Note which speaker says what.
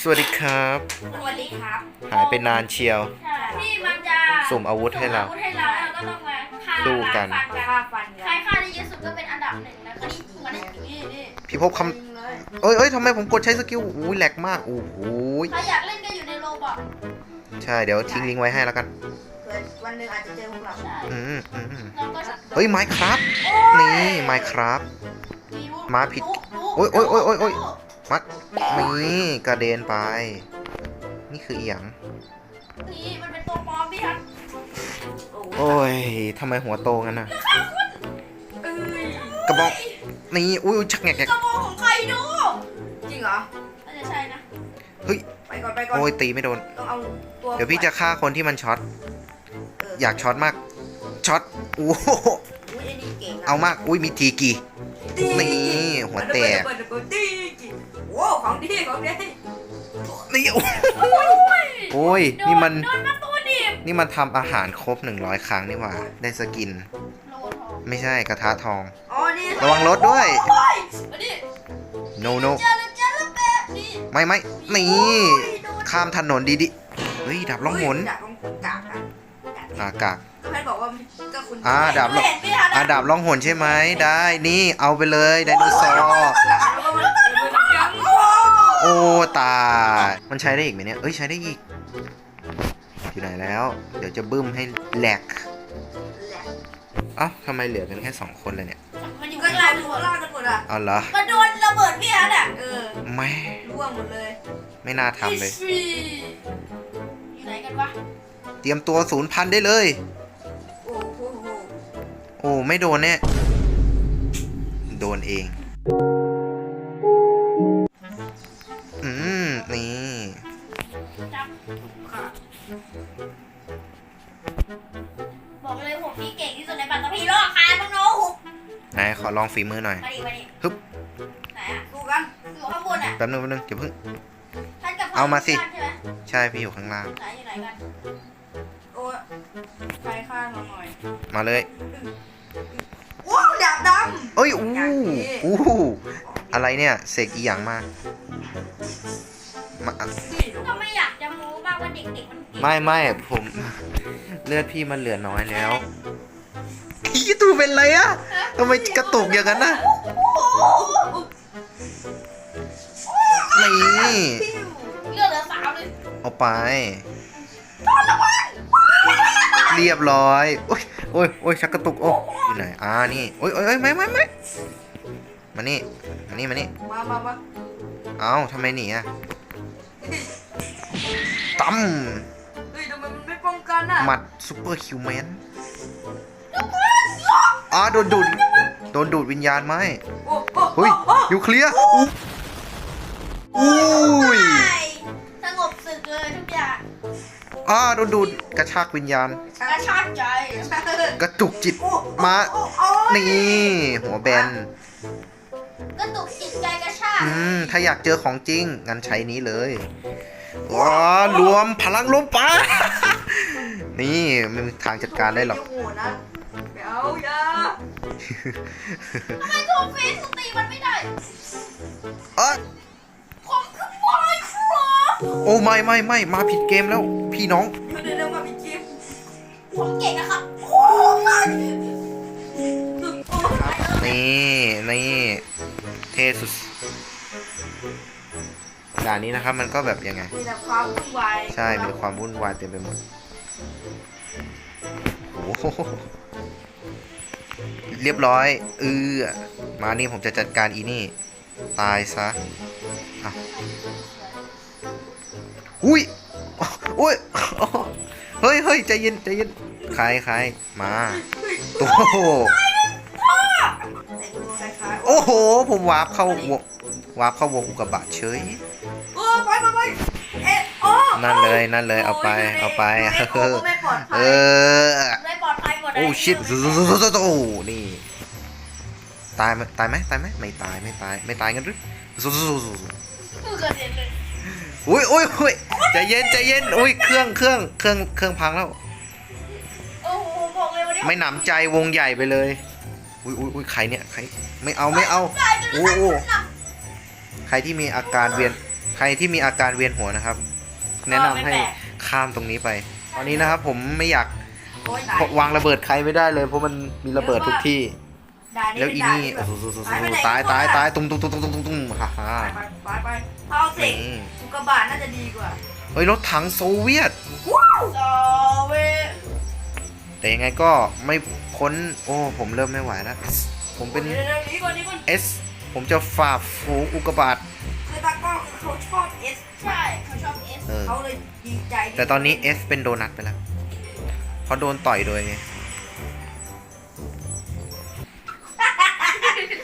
Speaker 1: สวัสดีครับ
Speaker 2: สวัสดีครับ
Speaker 1: หายไปนานเชียว
Speaker 2: ที่มันจะ
Speaker 1: สุ่มอาวุธให้เรา
Speaker 2: สุ่มอาวุธให้เราแล้วก็ต้องมาฆ่า
Speaker 1: สู้กัน
Speaker 2: ล้างฟัน
Speaker 3: ฆ่าฟัน
Speaker 2: ใครฆ่าได้เยอะสุดก็เป็นอันดับหนึ่งนะคนนี้นี่
Speaker 1: พี่พบคำเอ้ยทำไมผมกดใช้สกิลอุ้ยแหลกมากโอ้โห
Speaker 2: ใครอยากเล่นก็อยู่ในโลบอก
Speaker 1: ใช่เดี๋ยวทิ้งลิงก์ไว้ให้แล้วกัน
Speaker 3: เผื่อวันหนึ่งอาจจะเจอพวกเรา
Speaker 2: ใช่
Speaker 1: อืม
Speaker 2: เราก็จะ
Speaker 1: เฮ้ยไมค์ครับนี่ไมค์ครับ มาผิดโอ้ย มัดนี่กระเด็นไป นี่คืออีหยัง
Speaker 2: นี่มันเป็นตัวปลอมพี่ครับ
Speaker 1: โอ้ยทำไมหัวโตงั้นน่ะ
Speaker 2: เอ้ย
Speaker 1: กระบอกนี่อุ้ยชักแงก
Speaker 2: กระบอกของใครดู
Speaker 3: จริงเหรอ
Speaker 2: น่าจะใช่นะ
Speaker 1: เฮ้ย
Speaker 3: ไปก่อนไปก่อน
Speaker 1: โอ้ยตีไม่โดน
Speaker 3: ต้องเอาตัว
Speaker 1: เดี๋ยวพี่จะฆ่าคนที่มันช็อตอยากช็อตมากช็อตโอ้โห
Speaker 3: อุ้ยไอ้นี่เก่งนะ
Speaker 1: เอามากอุ้ยมีทีกี่
Speaker 3: ตี
Speaker 1: นี่หัวแตก
Speaker 3: เปิดตีโอ้ของดีของดี
Speaker 1: นี่โอ้โอ้ยนี่มัน
Speaker 2: โดนมาตัวดิบ
Speaker 1: นี่มันทำอาหารครบ100 ครั้งนี่หว่า ได้สกิน
Speaker 2: โลทอง
Speaker 1: ไม่ใช่กระทะทอง
Speaker 3: อ๋อนี่
Speaker 1: ระวังรถด้วย
Speaker 2: โอ้ยมาดิ
Speaker 1: โนโน
Speaker 2: เจอแล้วแบบนี้
Speaker 1: ไม่นี่ข้ามถนนดีๆเฮ้ยดับล่องหน
Speaker 3: ดาบล่องกากอะ
Speaker 1: กาก
Speaker 3: ก็แพทย์บอกว่าก็คุณ
Speaker 1: ดาบล่อง
Speaker 2: เห็นพี่ทัน
Speaker 1: ดาบล่องหนใช่ไหมได้นี่เอาไปเลยไดโนเสาร์
Speaker 3: แล้วก็มันยังโอ้
Speaker 1: โอ้ตายมันใช้ได้อีกไหมเนี่ยเอ้ยใช้ได้อีกอยู่ไหนแล้ว เดี๋ยวจะบึ้มให้แหลกเอ้าทำไมเหลือกันแค่2 คนเลยเนี่ย
Speaker 2: มันอยู่
Speaker 3: ก็
Speaker 2: ข้าง
Speaker 3: ลา
Speaker 2: ล่าย ง
Speaker 3: ดูล่ากันหมดอ่ะ
Speaker 1: เอาเหรอ
Speaker 2: มันโดนระเบิดพี่ทันอ่ะ
Speaker 1: ไม่
Speaker 3: ร่วงหมดเลย
Speaker 1: ไม่น่าทำเลย
Speaker 2: อยู่ไหนกันวะ
Speaker 1: เตรียมตัว0,000ได้เลย
Speaker 3: โอ้โห
Speaker 1: โอ้ไม่โดนแน่โดนเองนี่
Speaker 2: จับ
Speaker 3: ค่ะ
Speaker 2: บอกเลยผมพี่เก่งที่สุดในปัตตภีโลกค่ะน้องโน้หุบ
Speaker 1: ไหนขอลองฝีมือหน่อย
Speaker 2: มาดิ
Speaker 1: ฮึบ
Speaker 2: ไหนอ่ะ
Speaker 3: ดูกัน
Speaker 2: อยู่ข้างบนอ่ะ
Speaker 1: แป๊บนึงอย่าเพิ่ง
Speaker 2: ท่านกับ
Speaker 1: เอามาสิ
Speaker 2: ใช่ไหม
Speaker 1: ใช่พี่อยู่ข้างล่าง
Speaker 2: ไหนอยู่ไหนกัน
Speaker 3: โอ้ใครข้างเราหน่อย
Speaker 1: มาเลย
Speaker 3: ว้าวดาบด
Speaker 1: เอ้ยอู้อะไรเนี่ยเสกอีหยังมา
Speaker 3: ำ
Speaker 2: ก็ไม่อยากจะโม้บ้างว่าเด็กๆมันเก่ง
Speaker 1: ไม่ผมเลือดพี่มันเหลือน้อยแล้วพี่ตูเป็นไรอะทำไมกระตุกอย่างนั้นนะนี่
Speaker 2: เลือดเหลือ3เลย
Speaker 1: เอาไป เรียบร้อยโอ้ยชักกระตุกโอ้อยู่ไหนนี่โอ้ยไม่มานี่มานี่
Speaker 3: มา
Speaker 1: เอ้าทำไมหนีอะตั้ม
Speaker 3: เฮ้ยทำไมมันไม่ป้องกันอ่ะ
Speaker 1: หมัดซูเปอร์ฮิวแมนโดนดูดวิญญาณไหม เฮ้ยนิวเคลียร์อุ้ย
Speaker 2: สงบศึกเลยทุกอย่าง
Speaker 1: โดนดูดกระชากวิญญาณ
Speaker 2: กระชากใจ
Speaker 1: กระจุกจิตมา นี่ หัวแบน
Speaker 2: กระตุกจิตใจกระชาก
Speaker 1: ถ้าอยากเจอของจริง งั้นใช้นี้เลยรวมพลังลมปะนี่ไม่มีทางจัดการได้หรอก
Speaker 3: โหนะเดี๋ยวอย่า
Speaker 2: ทำไมโทรเฟซตีมันไม่ได้ ผมคือบอยครับ
Speaker 1: โอ้ไม่มาผิดเกมแล้ว พี่น้อง
Speaker 3: เดี๋ยวมาพี่จิ๊บ
Speaker 2: ผมเก่งนะครับโอ้ย
Speaker 1: นี่เทสุดด่านนี้นะครับมันก็แบบยังไง
Speaker 3: มีแต่ความวุ่นวาย
Speaker 1: ใช่มีความวุ่นวายเต็มไปหมดโอ้โหเรียบร้อยมานี่ผมจะจัดการอีนี่ ตายซะอุ้ยเฮ้ยใจเย็นใครมาตัว
Speaker 3: แต่งตัวคล้ายๆ
Speaker 1: โอ้โหผมวาร์ปเข้าวงอุกกาบาตเฉย
Speaker 3: โอ้ไปเอ๊ะโอ้
Speaker 1: นั่นเลยเอาไป
Speaker 3: ไม่ปลอด
Speaker 1: เอ
Speaker 3: ภัย
Speaker 1: อ
Speaker 2: ได้ปลอดภัยหมดเลย
Speaker 1: โอ้ชิตนี่ตายไหมไม่ตายงั้นหรือ
Speaker 2: คือเกิดเหตุเลย
Speaker 1: อุ้ยใจเย็นอุ้ยเครื่องพังแล้ว
Speaker 2: โอ้โหบอกเลยวันนี้
Speaker 1: ไม่หนำใจวงใหญ่ไปเลยอุ้ยใครเนี่ยใครไม่เอาโอ้ใครที่มีอาการเวียนใครที่มีอาการเวียนหัวนะครับ แนะนำให้ข้ามตรงนี้ไป ตอนนี้นะครับผมไม่อยาก
Speaker 3: โอ้ยตายว
Speaker 1: างระเบิดใครไม่ได้เลย เพราะมันมีระเบิดทุกที่
Speaker 3: ด่าน
Speaker 1: แล้วอีนี่
Speaker 3: เป็
Speaker 1: โอ้
Speaker 3: ด่า
Speaker 1: โห
Speaker 3: ที่แบบ
Speaker 1: ตายตุ้มฮ่าฮ่า
Speaker 3: ไปเอาเสก
Speaker 1: นี่
Speaker 3: อุกกาบาตน่าจะดีกว่า
Speaker 1: เฮ้ยรถถังโซเวียต
Speaker 3: โซเว
Speaker 1: แต่ยังไงก็ไม่พ้น โอ้ผมเริ่มไม่ไหวแล้ว ผมเป็น
Speaker 3: เดี๋ยวนี้ก่อนนี้ก่อน
Speaker 1: S ผมจะฝ่าฝูงอุกกาบาต
Speaker 3: คือตากล้องเขาชอบเอส
Speaker 2: ใช่เขาชอบเอส
Speaker 1: เออ
Speaker 3: เขาเลยดีใจที่
Speaker 1: แต่ตอนนี้ S เป็นโดนัทไปแล้ว เพราะโดนต่อยโดยไง
Speaker 3: ใ